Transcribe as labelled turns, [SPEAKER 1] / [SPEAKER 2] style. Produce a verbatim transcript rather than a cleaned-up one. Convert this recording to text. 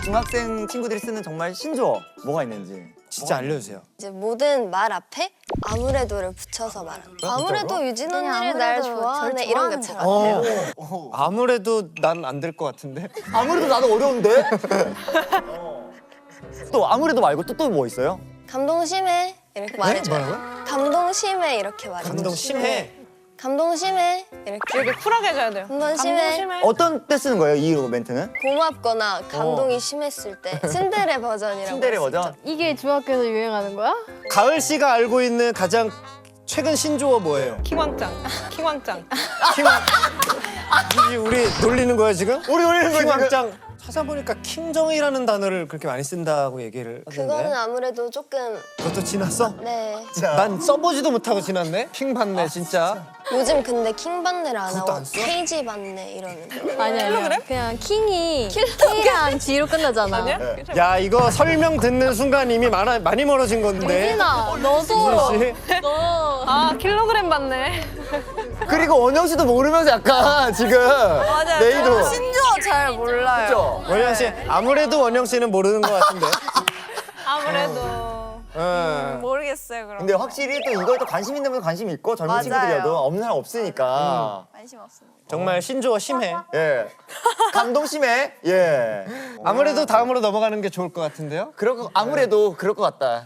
[SPEAKER 1] 중학생 친구들이 쓰는 정말 신조어 뭐가 있는지
[SPEAKER 2] 진짜 알려주세요.
[SPEAKER 3] 이제 모든 말 앞에 아무래도를 붙여서 말하는 거. 아무래도 유진 언니를 날 좋아하네 이런 게 잘 안 돼요.
[SPEAKER 2] 어. 아무래도 난 안 될 것 같은데.
[SPEAKER 1] 아무래도 나도 어려운데? 또 아무래도 말고 또 또 뭐 있어요?
[SPEAKER 3] 감동 심해 이렇게 말해줘요.
[SPEAKER 2] 뭐라고요?
[SPEAKER 3] 감동 심해 이렇게 말해줘요.
[SPEAKER 2] 감동 심해.
[SPEAKER 3] 감동 심해 이렇게.
[SPEAKER 4] 이렇게 쿨하게 해줘야 돼요.
[SPEAKER 3] 감동 심해.
[SPEAKER 4] 심해.
[SPEAKER 1] 어떤 때 쓰는 거예요, 이 멘트는?
[SPEAKER 3] 고맙거나 감동이 심했을 때 츤데레 버전이라고
[SPEAKER 1] 츤데레
[SPEAKER 3] 할수
[SPEAKER 1] 버전?
[SPEAKER 3] 있죠.
[SPEAKER 5] 이게 중학교에서 유행하는 거야?
[SPEAKER 2] 가을 씨가 알고 있는 가장 최근 신조어 뭐예요?
[SPEAKER 4] 키왕짱. 키왕짱.
[SPEAKER 2] 킹왕. 이게 우리 놀리는 거야 지금?
[SPEAKER 1] 우리 놀리는 거야,
[SPEAKER 2] 킹왕짱. 찾아보니까 킹정이라는 단어를 그렇게 많이 쓴다고 얘기를
[SPEAKER 3] 그거는
[SPEAKER 2] 하던데.
[SPEAKER 3] 아무래도 조금
[SPEAKER 2] 그것도 지났어?
[SPEAKER 3] 네.
[SPEAKER 2] 난 써보지도 못하고 지났네. 킹 받네 진짜.
[SPEAKER 3] 요즘 근데 킹반네를 안
[SPEAKER 2] 그것도
[SPEAKER 3] 하고
[SPEAKER 2] 안 써?
[SPEAKER 3] 케이지 반네 이러는데.
[SPEAKER 5] 아니 아니야. 그냥 킹이 K랑 G로 끝나잖아.
[SPEAKER 4] 아니야?
[SPEAKER 2] 야 이거 설명 듣는 순간 이미 많아, 많이 멀어진 건데.
[SPEAKER 5] 유진아, 너도.
[SPEAKER 2] 씨.
[SPEAKER 5] 너.
[SPEAKER 4] 아 킬로그램 받네.
[SPEAKER 1] 그리고 원영 씨도 모르면서 약간 지금
[SPEAKER 3] 맞아요.
[SPEAKER 1] 네이도
[SPEAKER 3] 신조어 잘 몰라요.
[SPEAKER 1] 그죠?
[SPEAKER 2] 원영 씨 아무래도 원영 씨는 모르는 것 같은데.
[SPEAKER 4] 아무래도.
[SPEAKER 2] 어.
[SPEAKER 3] 모르겠어요 그럼.
[SPEAKER 1] 근데 확실히 또 이거에 또 관심 있는 분 관심 있고 젊은
[SPEAKER 3] 맞아요.
[SPEAKER 1] 친구들이라도 없는 사람 없으니까
[SPEAKER 3] 관심 없습니다.
[SPEAKER 2] 정말 신조어 심해.
[SPEAKER 1] 예 감동 심해 예
[SPEAKER 2] 아무래도 다음으로 넘어가는 게 좋을 것 같은데요.
[SPEAKER 1] 그럴 거 아무래도 그럴 것 같다.